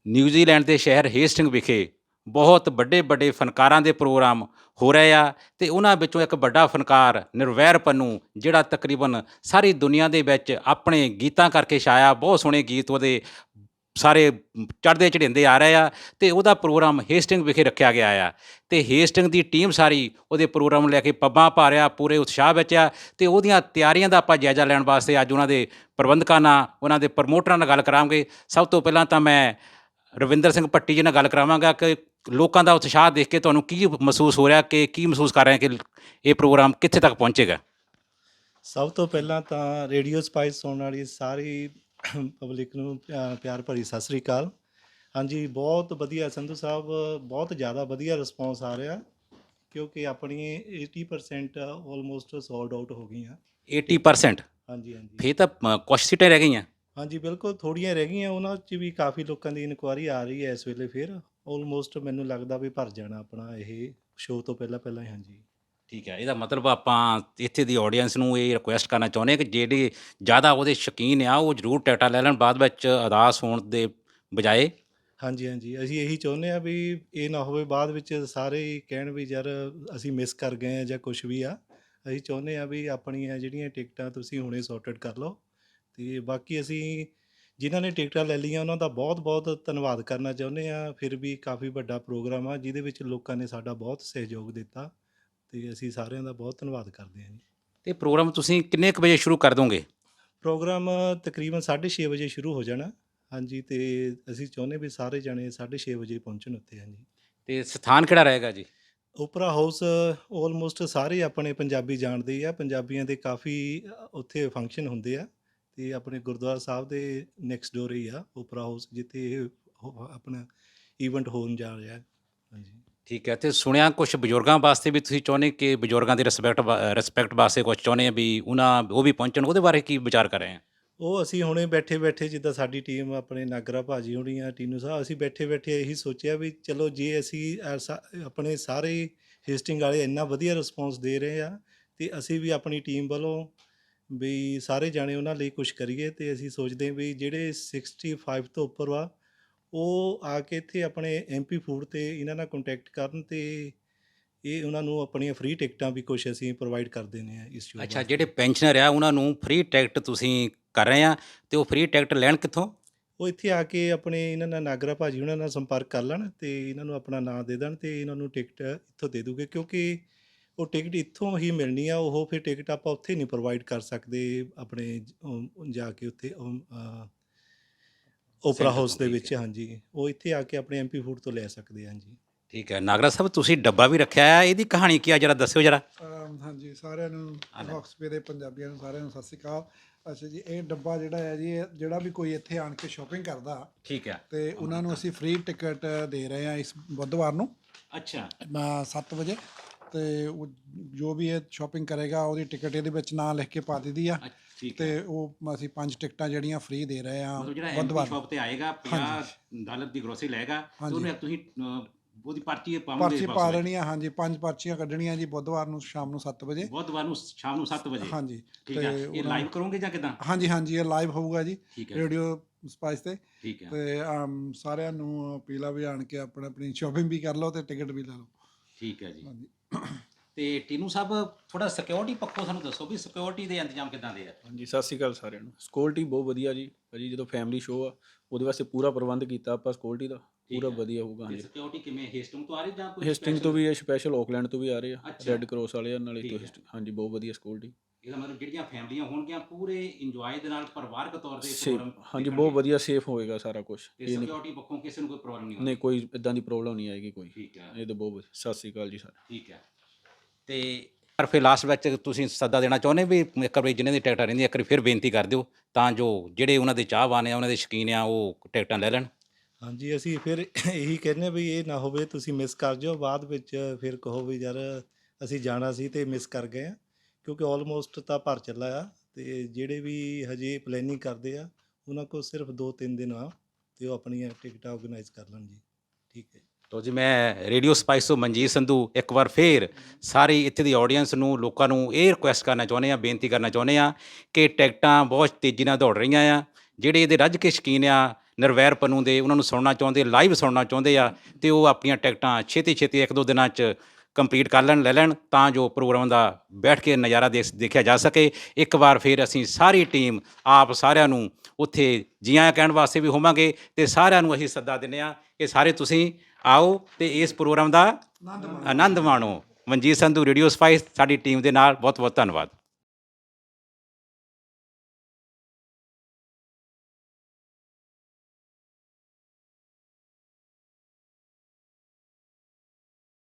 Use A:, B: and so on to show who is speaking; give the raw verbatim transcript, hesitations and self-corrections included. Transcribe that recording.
A: New Zealand ਦੇ ਸ਼ਹਿਰ Hasting ਵਿਖੇ ਬਹੁਤ ਵੱਡੇ ਵੱਡੇ ਫਨਕਾਰਾਂ ਦੇ ਪ੍ਰੋਗਰਾਮ ਹੋ ਰਹੇ ਆ ਅਤੇ ਉਹਨਾਂ ਵਿੱਚੋਂ ਇੱਕ ਵੱਡਾ ਫਨਕਾਰ ਨਿਰਵੈਰ ਪੰਨੂ, ਜਿਹੜਾ ਤਕਰੀਬਨ ਸਾਰੀ ਦੁਨੀਆ ਦੇ ਵਿੱਚ ਆਪਣੇ ਗੀਤਾਂ ਕਰਕੇ ਛਾਇਆ। ਬਹੁਤ ਸੋਹਣੇ ਗੀਤ ਉਹਦੇ ਸਾਰੇ ਚੜ੍ਹਦੇ ਚੜ੍ਹਾਉਂਦੇ ਆ ਰਹੇ ਆ ਅਤੇ ਉਹਦਾ ਪ੍ਰੋਗਰਾਮ ਹੇਸਟਿੰਗ ਵਿਖੇ ਰੱਖਿਆ ਗਿਆ ਆ ਅਤੇ ਹੇਸਟਿੰਗ ਦੀ ਟੀਮ ਸਾਰੀ ਉਹਦੇ ਪ੍ਰੋਗਰਾਮ ਲੈ ਕੇ ਪੱਬਾਂ ਪਾ ਰਿਹਾ, ਪੂਰੇ ਉਤਸ਼ਾਹ ਵਿੱਚ ਆ ਅਤੇ ਉਹਦੀਆਂ ਤਿਆਰੀਆਂ ਦਾ ਆਪਾਂ ਜਾਇਜ਼ਾ ਲੈਣ ਵਾਸਤੇ ਅੱਜ ਉਹਨਾਂ ਦੇ ਪ੍ਰਬੰਧਕਾਂ ਨਾਲ, ਉਹਨਾਂ ਦੇ ਪ੍ਰਮੋਟਰਾਂ ਨਾਲ ਗੱਲ ਕਰਾਂਗੇ। ਸਭ ਤੋਂ ਪਹਿਲਾਂ ਤਾਂ ਮੈਂ ਰਵਿੰਦਰ ਸਿੰਘ ਭੱਟੀ ਜੀ ਨਾਲ ਗੱਲ ਕਰਾਵਾਂਗਾ ਕਿ ਲੋਕਾਂ ਦਾ ਉਤਸ਼ਾਹ ਦੇਖ ਕੇ ਤੁਹਾਨੂੰ ਕੀ ਮਹਿਸੂਸ ਹੋ ਰਿਹਾ, ਕਿ ਕੀ ਮਹਿਸੂਸ ਕਰ ਰਹੇ ਕਿ ਇਹ ਪ੍ਰੋਗਰਾਮ ਕਿੱਥੇ ਤੱਕ ਪਹੁੰਚੇਗਾ?
B: ਸਭ ਤੋਂ ਪਹਿਲਾਂ ਤਾਂ ਰੇਡੀਓ ਸਪਾਈਸ ਸੁਣਨ ਵਾਲੀ ਸਾਰੀ ਪਬਲਿਕ ਨੂੰ ਪਿਆ- ਪਿਆਰ ਭਰੀ ਸਤਿ ਸ੍ਰੀ ਅਕਾਲ। ਹਾਂਜੀ, ਬਹੁਤ ਵਧੀਆ ਸੰਧੂ ਸਾਹਿਬ, ਬਹੁਤ ਜ਼ਿਆਦਾ ਵਧੀਆ ਰਿਸਪੌਂਸ ਆ ਰਿਹਾ, ਕਿਉਂਕਿ ਆਪਣੀ ਅੱਸੀ ਪਰਸੈਂਟ ਆਲਮੋਸਟ ਸੋਲਡ ਆਊਟ ਹੋ ਗਈਆਂ।
A: ਅੱਸੀ ਪਰਸੈਂਟ?
B: ਹਾਂਜੀ ਹਾਂਜੀ
A: ਫਿਰ ਤਾਂ ਅ, ਕੁਛ ਸੀਟਾਂ ਰਹਿ ਗਈਆਂ।
B: ਹਾਂਜੀ, ਬਿਲਕੁਲ ਥੋੜ੍ਹੀਆਂ ਰਹਿ ਗਈਆਂ, ਉਹਨਾਂ 'ਚ ਵੀ ਕਾਫੀ ਲੋਕਾਂ ਦੀ ਇਨਕੁਆਇਰੀ ਆ ਰਹੀ ਹੈ ਇਸ ਵੇਲੇ। ਫਿਰ ਆਲਮੋਸਟ ਮੈਨੂੰ ਲੱਗਦਾ ਵੀ ਭਰ ਜਾਣਾ ਆਪਣਾ ਇਹ ਸ਼ੋਅ ਤੋਂ ਪਹਿਲਾਂ ਪਹਿਲਾਂ ਹੀ। ਹਾਂਜੀ
A: ਠੀਕ ਹੈ, ਇਹਦਾ ਮਤਲਬ ਆਪਾਂ ਇੱਥੇ ਦੀ ਆਡੀਅנס ਨੂੰ ਇਹ ਰਿਕੁਐਸਟ ਕਰਨਾ ਚਾਹੁੰਦੇ ਹਾਂ ਕਿ ਜਿਹੜੇ ਜ਼ਿਆਦਾ ਉਹਦੇ ਸ਼ੌਕੀਨ ਆ ਉਹ ਜ਼ਰੂਰ ਟਿਕਟਾਂ ਲੈ ਲੈਣ, ਬਾਅਦ ਵਿੱਚ ਉਦਾਸ ਹੋਣ ਦੇ ਬਜਾਏ।
B: ਹਾਂਜੀ ਹਾਂਜੀ ਅਸੀਂ ਇਹੀ ਚਾਹੁੰਦੇ ਹਾਂ ਵੀ ਇਹ ਨਾ ਹੋਵੇ ਬਾਅਦ ਵਿੱਚ ਸਾਰੇ ਹੀ ਕਹਿਣ ਵੀ ਯਾਰ ਅਸੀਂ ਮਿਸ ਕਰ ਗਏ ਹਾਂ ਜਾਂ ਕੁਛ ਵੀ ਆ। ਅਸੀਂ ਚਾਹੁੰਦੇ ਹਾਂ ਵੀ ਆਪਣੀਆਂ ਜਿਹੜੀਆਂ ਟਿਕਟਾਂ ਤੁਸੀਂ ਹੁਣੇ ਸੌਰਟਡ ਕਰ ਲਓ, ਅਤੇ ਬਾਕੀ ਅਸੀਂ ਜਿਨ੍ਹਾਂ ਨੇ ਟਿਕਟਾਂ ਲੈ ਲਈਆਂ ਉਹਨਾਂ ਦਾ ਬਹੁਤ ਬਹੁਤ ਧੰਨਵਾਦ ਕਰਨਾ ਚਾਹੁੰਦੇ ਹਾਂ। ਫਿਰ ਵੀ ਕਾਫੀ ਵੱਡਾ ਪ੍ਰੋਗਰਾਮ ਆ ਜਿਹਦੇ ਵਿੱਚ ਲੋਕਾਂ ਨੇ ਸਾਡਾ ਬਹੁਤ ਸਹਿਯੋਗ ਦਿੱਤਾ, ਅਤੇ ਅਸੀਂ ਸਾਰਿਆਂ ਦਾ ਬਹੁਤ ਧੰਨਵਾਦ ਕਰਦੇ ਹਾਂ ਜੀ।
A: ਅਤੇ ਪ੍ਰੋਗਰਾਮ ਤੁਸੀਂ ਕਿੰਨੇ ਕੁ ਵਜੇ ਸ਼ੁਰੂ ਕਰ ਦੋਗੇ?
B: ਪ੍ਰੋਗਰਾਮ ਤਕਰੀਬਨ ਸਾਢੇ ਛੇ ਵਜੇ ਸ਼ੁਰੂ ਹੋ ਜਾਣਾ। ਹਾਂਜੀ, ਅਤੇ ਅਸੀਂ ਚਾਹੁੰਦੇ ਵੀ ਸਾਰੇ ਜਾਣੇ ਸਾਢੇ ਛੇ ਵਜੇ ਪਹੁੰਚਣ ਉੱਥੇ। ਹਾਂਜੀ,
A: ਅਤੇ ਸਥਾਨ ਕਿਹੜਾ ਰਹੇਗਾ ਜੀ?
B: ਓਪਰਾ ਹਾਊਸ ਆਲਮੋਸਟ ਸਾਰੇ ਆਪਣੇ ਪੰਜਾਬੀ ਜਾਣਦੇ ਹੀ ਆ, ਪੰਜਾਬੀਆਂ ਦੇ ਕਾਫੀ ਅ, ਉੱਥੇ ਫੰਕਸ਼ਨ ਹੁੰਦੇ ਆ, ਅਤੇ ਆਪਣੇ ਗੁਰਦੁਆਰਾ ਸਾਹਿਬ ਦੇ ਨੈਕਸਟ ਡੋਰ ਹੀ ਆ ਓਪਰਾ ਹਾਊਸ, ਜਿੱਥੇ ਇਹ ਹੋ- ਆਪਣਾ ਈਵੈਂਟ ਹੋਣ ਜਾ ਰਿਹਾ। ਹਾਂਜੀ
A: ਠੀਕ ਹੈ, ਅਤੇ ਸੁਣਿਆ ਕੁਛ ਬਜ਼ੁਰਗਾਂ ਵਾਸਤੇ ਵੀ ਤੁਸੀਂ ਚਾਹੁੰਦੇ ਕਿ ਬਜ਼ੁਰਗਾਂ ਦੀ ਰਿਸਪੈਕਟ ਰਿਸਪੈਕਟ ਵਾਸਤੇ ਕੁਛ ਚਾਹੁੰਦੇ ਆ ਵੀ ਉਹਨਾਂ ਉਹ ਵੀ ਪਹੁੰਚਣ, ਉਹਦੇ ਬਾਰੇ ਕੀ ਵਿਚਾਰ ਕਰ ਰਹੇ ਆ?
B: ਉਹ ਅਸੀਂ ਹੁਣੇ ਬੈਠੇ ਬੈਠੇ ਜਿੱਦਾਂ ਸਾਡੀ ਟੀਮ ਆਪਣੇ ਨਾਗਰਾ ਭਾਜੀ ਹੋਣੀ ਆ, ਟੀਨੂ ਸਾਹਿਬ, ਅਸੀਂ ਬੈਠੇ ਬੈਠੇ ਇਹੀ ਸੋਚਿਆ ਵੀ ਚਲੋ ਜੇ ਅਸੀਂ ਐਸਾ ਆਪਣੇ ਸਾਰੇ ਹੇਸਟਿੰਗ ਵਾਲੇ ਇੰਨਾ ਵਧੀਆ ਰਿਸਪੌਂਸ ਦੇ ਰਹੇ ਆ, ਅਤੇ ਅਸੀਂ ਵੀ ਆਪਣੀ ਟੀਮ ਵੱਲੋਂ ਵੀ ਸਾਰੇ ਜਾਣੇ ਉਹਨਾਂ ਲਈ ਕੁਛ ਕਰੀਏ। ਅਤੇ ਅਸੀਂ ਸੋਚਦੇ ਹਾਂ ਵੀ ਜਿਹੜੇ ਸਿਕਸਟੀ ਫਾਈਵ ਤੋਂ ਉੱਪਰ ਵਾ ਉਹ ਆ ਕੇ ਇੱਥੇ ਆਪਣੇ ਐਮ ਪੀ ਫੂਡ 'ਤੇ ਇਹਨਾਂ ਨਾਲ ਕੰਟੈਕਟ ਕਰਨ, ਅਤੇ ਇਹ ਉਹਨਾਂ ਨੂੰ ਆਪਣੀਆਂ ਫ੍ਰੀ ਟਿਕਟਾਂ ਵੀ ਕੁਛ ਅਸੀਂ ਪ੍ਰੋਵਾਈਡ ਕਰ ਦਿੰਦੇ ਹਾਂ ਇਸ ਸ਼ੋਅ
A: ਅੱਛਾ,
B: ਵਾਸਤੇ।
A: ਜਿਹੜੇ ਪੈਨਸ਼ਨਰ ਆ ਉਹਨਾਂ ਨੂੰ ਫ੍ਰੀ ਟਿਕਟ ਤੁਸੀਂ ਕਰ ਰਹੇ ਆ, ਅਤੇ ਉਹ ਫ੍ਰੀ ਟਿਕਟ ਲੈਣ ਕਿੱਥੋਂ?
B: ਉਹ ਇੱਥੇ ਆ ਕੇ ਆਪਣੇ ਇਹਨਾਂ ਨਾਲ ਨਾਗਰਾ ਭਾਜੀ ਉਹਨਾਂ ਨਾਲ ਸੰਪਰਕ ਕਰ ਲੈਣ, ਅਤੇ ਇਹਨਾਂ ਨੂੰ ਆਪਣਾ ਨਾਂ ਦੇ ਦੇਣ, ਅਤੇ ਇਹਨਾਂ ਨੂੰ ਟਿਕਟ ਇੱਥੋਂ ਦੇ ਦੂਗੇ, ਕਿਉਂਕਿ ਉਹ ਟਿਕਟ ਇੱਥੋਂ ਹੀ ਮਿਲਣੀ ਆ। ਉਹ ਫਿਰ ਟਿਕਟ ਆਪਾਂ ਉੱਥੇ ਨਹੀਂ ਪ੍ਰੋਵਾਈਡ ਕਰ ਸਕਦੇ ਆਪਣੇ ਜ- ਉਹ ਜਾ ਕੇ ਉੱਥੇ ਓਪਰਾ
A: ਸੈਂਟਰ
B: ਹਾਊਸ
A: ਤੋਂ,
B: ਦੇ
A: ਠੀਕ
B: ਵਿੱਚ।
A: ਹੈ।
B: ਹਾਂਜੀ, ਉਹ ਇੱਥੇ ਆ ਕੇ ਆਪਣੇ ਐਮ ਪੀ ਫੂਡ ਤੋਂ ਲੈ ਸਕਦੇ ਹਾਂ ਜੀ।
A: ਠੀਕ ਹੈ, ਨਾਗਰਾ ਸਾਹਿਬ ਤੁਸੀਂ ਡੱਬਾ ਵੀ ਰੱਖਿਆ ਹੈ, ਇਹਦੀ ਕਹਾਣੀ ਕੀ ਆ, ਜਰਾ ਦੱਸਿਓ ਜਰਾ।
C: ਅਮ ਹਾਂਜੀ, ਸਾਰਿਆਂ ਨੂੰ
A: ਆ ਲੈ।
C: ਹੌਕਸਪੇ ਦੇ ਪੰਜਾਬੀਆਂ ਨੂੰ ਸਾਰਿਆਂ ਨੂੰ ਸਤਿ ਸ਼੍ਰੀ ਅਕਾਲ। ਅੱਛਾ ਜੀ, ਇਹ ਡੱਬਾ ਜਿਹੜਾ ਹੈ ਜੀ, ਇਹ ਜਿਹੜਾ ਵੀ ਕੋਈ ਇੱਥੇ ਆਣ ਕੇ ਸ਼ਾਪਿੰਗ ਕਰਦਾ
A: ਠੀਕ ਹੈ।
C: ਤੇ ਉਹਨਾਂ ਨੂੰ ਅਸੀਂ ਫ੍ਰੀ ਟਿਕਟ ਦੇ ਰਹੇ ਹਾਂ ਇਸ ਬੁੱਧਵਾਰ ਨੂੰ
A: ਅੱਛਾ
C: ਸੱਤ ਵਜੇ। ਤੇ ਉਹ ਜੋ ਵੀ ਇਹ ਸ਼ਾਪਿੰਗ ਕਰੇਗਾ ਉਹਦੀ ਟਿਕਟ ਇਹਦੇ ਵਿੱਚ ਨਾਂ ਲਿਖ ਕੇ ਪਾ ਦਿੱਤੀ ਆ,
A: ਅੱਛ- ਠੀਕ ਹੈ,
C: ਤੇ ਉਹ ਅਸੀਂ ਪੰਜ ਟਿਕਟਾਂ ਜਿਹੜੀਆਂ ਫ੍ਰੀ ਦੇ ਰਹੇ ਹਾਂ
A: ਮਤਲਬ ਜਿਹੜਾ ਐਮ ਪੀ
C: ਬੁੱਧਵਾਰ ਨੂੰ।
A: ਸ਼ਾਪ ਤੇ ਆਏਗਾ ਪੰਜਾਹ ਡਾਲਰ ਦੀ ਗਰੋਸਰੀ ਲਏਗਾ ਤੇ
C: ਹਾਂਜੀ।
A: ਉਹਨੂੰ ਤੁਸੀਂ ਅ, ਉਹਦੀ ਪਰਚੀ ਪਾਉਂਗੇ
C: ਪਰਚੀ
A: box
C: ਪਾ
A: ਵਿੱਚ।
C: ਦੇਣੀ ਆ। ਹਾਂਜੀ, ਪੰਜ ਪਰਚੀਆਂ ਕੱਢਣੀਆਂ ਜੀ ਬੁੱਧਵਾਰ ਨੂੰ ਸ਼ਾਮ ਨੂੰ ਸੱਤ ਵਜੇ।
A: ਬੁੱਧਵਾਰ ਨੂੰ ਸ਼ਾਮ ਨੂੰ ਸੱਤ ਵਜੇ।
C: ਹਾਂਜੀ,
A: ਠੀਕ ਹੈ,
C: ਤੇ
A: ਇਹ
C: ਉਹਨਾਂ
A: ਲਾਈਵ ਕਰੋਗੇ ਜਾਂ ਕਿਦਾਂ?
C: ਹਾਂਜੀ ਹਾਂਜੀ, ਇਹ ਲਾਈਵ ਹੋਊਗਾ ਜੀ
A: ਠੀਕ ਹੈ,
C: ਰੇਡੀਓ ਸਪਾਈਸ ਤੇ।
A: ਠੀਕ ਹੈ,
C: ਤੇ ਆਮ ਸਾਰਿਆਂ ਨੂੰ ਅਪੀਲ ਆ ਵੀ ਆਣ ਕੇ ਆਪਣਾ ਆਪਣੀ ਸ਼ਾਪਿੰਗ ਵੀ ਕਰ ਲਓ ਤੇ ਟਿਕਟ ਵੀ ਲੈ ਲਓ।
A: ਠੀਕ ਹੈ ਜੀ।
C: ਹਾਂਜੀ
A: ਤੇ ਟੀਨੂ ਸਾਹਿਬ ਥੋੜਾ ਸਿਕਿਉਰਿਟੀ ਪੱਖੋਂ ਸਾਨੂੰ ਦੱਸੋ ਵੀ ਸਿਕਿਉਰਿਟੀ ਦੇ ਇੰਤਜ਼ਾਮ ਕਿਦਾਂ ਦੇ ਆ?
D: ਹਾਂਜੀ, ਸਤਿ ਸ਼੍ਰੀ ਅਕਾਲ ਸਾਰਿਆਂ ਨੂੰ। ਸਿਕਿਉਰਿਟੀ ਬਹੁਤ ਵਧੀਆ ਜੀ ਭਾਜੀ, ਜਦੋਂ ਫੈਮਿਲੀ ਸ਼ੋਅ ਆ ਉਹਦੇ ਵਾਸਤੇ ਪੂਰਾ ਪ੍ਰਬੰਧ ਕੀਤਾ ਆਪਾਂ ਸਿਕਿਉਰਿਟੀ ਦਾ, ਪੂਰਾ
A: ਹੈ।
D: ਵਧੀਆ ਹੋਊਗਾ।
A: ਤੇ
D: ਹਾਂਜੀ,
A: ਸਿਕਿਉਰਿਟੀ ਕਿਵੇਂ ਹੇਸਟਿੰਗ ਤੋਂ ਆ ਰਹੀ ਜਾਂ ਕੋਈ
D: ਹਿਸਟਿੰਗ ਤੋਂ ਵੀ ਇਹ ਸਪੈਸ਼ਲ ਆਕਲੈਂਡ ਤੋਂ ਵੀ ਆ ਰਹੇ ਆ,
A: ਅੱਛਾ।
D: ਰੈੱਡ ਕਰਾਸ ਵਾਲੇ ਆ ਨਾਲੇ
A: ਠੀਕ
D: ਤੋਂ
A: ਹੈ।
D: ਹਿਸਟ- ਹਾਂਜੀ, ਬਹੁਤ ਵਧੀਆ ਸਿਕਿਉਰਿਟੀ।
A: ਇਹਦਾ ਮਤਲਬ ਜਿਹੜੀਆਂ ਫੈਮਲੀਆਂ ਹੋਣਗੀਆਂ ਪੂਰੇ ਇੰਜੋਏ ਦੇ ਨਾਲ ਪਰਿਵਾਰਕ ਤੌਰ ਤੇ
D: ਸੇਫ,
A: ਪ੍ਰੋਗਰਾਮ
D: ਹਾਂਜੀ, ਬਹੁਤ ਵਧੀਆ ਸੇਫ ਹੋਏਗਾ ਸਾਰਾ ਕੁਝ।
A: ਤੇ
D: ਇਹ ਨਹੀਂ
A: ਸਿਕਿਉਰਿਟੀ ਪੱਖੋਂ ਕਿਸੇ ਨੂੰ ਕੋਈ ਪ੍ਰੋਬਲਮ ਨਹੀਂ
D: ਨਹੀਂ,
A: ਹੋਣੀ?
D: ਕੋਈ ਇਦਾਂ ਦੀ ਪ੍ਰੋਬਲਮ ਨਹੀਂ ਆਏਗੀ ਕੋਈ।
A: ਠੀਕ ਹੈ,
D: ਇਹ ਤਾਂ ਬਹੁਤ ਵਧੀਆ। ਸਤਿ ਸ਼੍ਰੀ ਅਕਾਲ ਜੀ ਸਾਰਿਆਂ
A: ਠੀਕ ਹੈ। ਤੇ ਪਰ ਫਿਰ ਲਾਸਟ ਵਿੱਚ ਤੁਸੀਂ ਸੱਦਾ ਦੇਣਾ ਚਾਹੁੰਦੇ ਵੀ ਇੱਕ ਵਾਰੀ ਜਿਹਨਾਂ ਦੀ ਟਿਕਟਾਂ ਰਹਿੰਦੀਆਂ ਇੱਕ ਵਾਰੀ ਫਿਰ ਬੇਨਤੀ ਕਰ ਦਿਓ ਤਾਂ ਜੋ ਜਿਹੜੇ ਉਹਨਾਂ ਦੇ ਚਾਹਵਾਨ ਆ, ਉਹਨਾਂ ਦੇ ਸ਼ੌਕੀਨ ਆ, ਉਹ ਟਿਕਟਾਂ ਲੈ ਲੈਣ।
B: ਹਾਂਜੀ, ਅਸੀਂ ਫਿਰ ਇਹੀ ਕਹਿੰਦੇ ਵੀ ਇਹ ਨਾ ਹੋਵੇ ਤੁਸੀਂ ਮਿਸ ਕਰ ਜਾਓ, ਬਾਅਦ ਵਿੱਚ ਫਿਰ ਕਹੋ ਵੀ ਯਾਰ ਅਸੀਂ ਜਾਣਾ ਸੀ ਅਤੇ ਮਿਸ ਕਰ ਗਏ ਆ, ਕਿਉਂਕਿ ਆਲਮੋਸਟ ਤਾਂ ਭਰ ਚੱਲਾ ਆ। ਅਤੇ ਜਿਹੜੇ ਵੀ ਹਜੇ ਪਲੈਨਿੰਗ ਕਰਦੇ ਆ ਉਹਨਾਂ ਕੋਲ ਸਿਰਫ ਦੋ ਤਿੰਨ ਦਿਨ ਆ, ਅਤੇ ਉਹ ਆਪਣੀਆਂ ਟਿਕਟਾਂ ਔਰਗੇਨਾਈਜ਼ ਕਰ ਲੈਣ ਜੀ। ਠੀਕ ਹੈ ਜੀ।
A: ਤੋ ਜੀ ਮੈਂ ਰੇਡੀਓ ਸਪਾਈਸ ਤੋਂ ਮਨਜੀਤ ਸੰਧੂ ਇੱਕ ਵਾਰ ਫੇਰ ਸਾਰੀ ਇੱਥੇ ਦੀ ਆਡੀਅנס ਨੂੰ, ਲੋਕਾਂ ਨੂੰ ਇਹ ਰਿਕੁਐਸਟ ਕਰਨਾ ਚਾਹੁੰਦੇ ਆ, ਬੇਨਤੀ ਕਰਨਾ ਚਾਹੁੰਦੇ ਆ ਕਿ ਟਿਕਟਾਂ ਬਹੁਤ ਤੇਜ਼ੀ ਨਾਲ ਦੌੜ ਰਹੀਆਂ ਆ। ਜਿਹੜੇ ਇਹਦੇ ਰੱਜ ਕੇ ਸ਼ੌਕੀਨ ਆ ਨਿਰਵੈਰ ਪੰਨੂ ਦੇ ਉਹਨਾਂ ਨੂੰ ਸੁਣਨਾ ਚਾਹੁੰਦੇ, ਲਾਈਵ ਸੁਣਨਾ ਚਾਹੁੰਦੇ ਆ, ਤੇ ਉਹ ਆਪਣੀਆਂ ਟਿਕਟਾਂ ਛੇਤੀ ਛੇਤੀ ਇੱਕ ਦੋ ਦਿਨਾਂ 'ਚ ਕੰਪਲੀਟ ਕਰ ਲੈਣ ਲੈ ਲੈਣ ਤਾਂ ਜੋ ਪ੍ਰੋਗਰਾਮ ਦਾ ਬੈਠ ਕੇ ਨਜ਼ਾਰਾ ਦੇਖ ਦੇਖਿਆ ਜਾ ਸਕੇ। ਇੱਕ ਵਾਰ ਫਿਰ ਅਸੀਂ ਸਾਰੀ ਟੀਮ ਆਪ ਸਾਰਿਆਂ ਨੂੰ ਉੱਥੇ ਜੀ ਆਇਆਂ ਕਹਿਣ ਵਾਸਤੇ ਵੀ ਹੋਵਾਂਗੇ, ਤੇ ਸਾਰਿਆਂ ਨੂੰ ਅਸੀਂ ਸੱਦਾ ਦਿੰਦੇ ਹਾਂ ਕਿ ਸਾਰੇ ਤੁਸੀਂ ਆਓ ਤੇ ਇਸ ਪ੍ਰੋਗਰਾਮ ਦਾ ਆਨੰਦ ਮਾਣੋ। ਮਨਜੀਤ ਸੰਧੂ, ਰੇਡੀਓ ਸਪਾਈਸ, ਸਾਡੀ ਟੀਮ ਦੇ ਨਾਲ ਬਹੁਤ ਬਹੁਤ ਧੰਨਵਾਦ।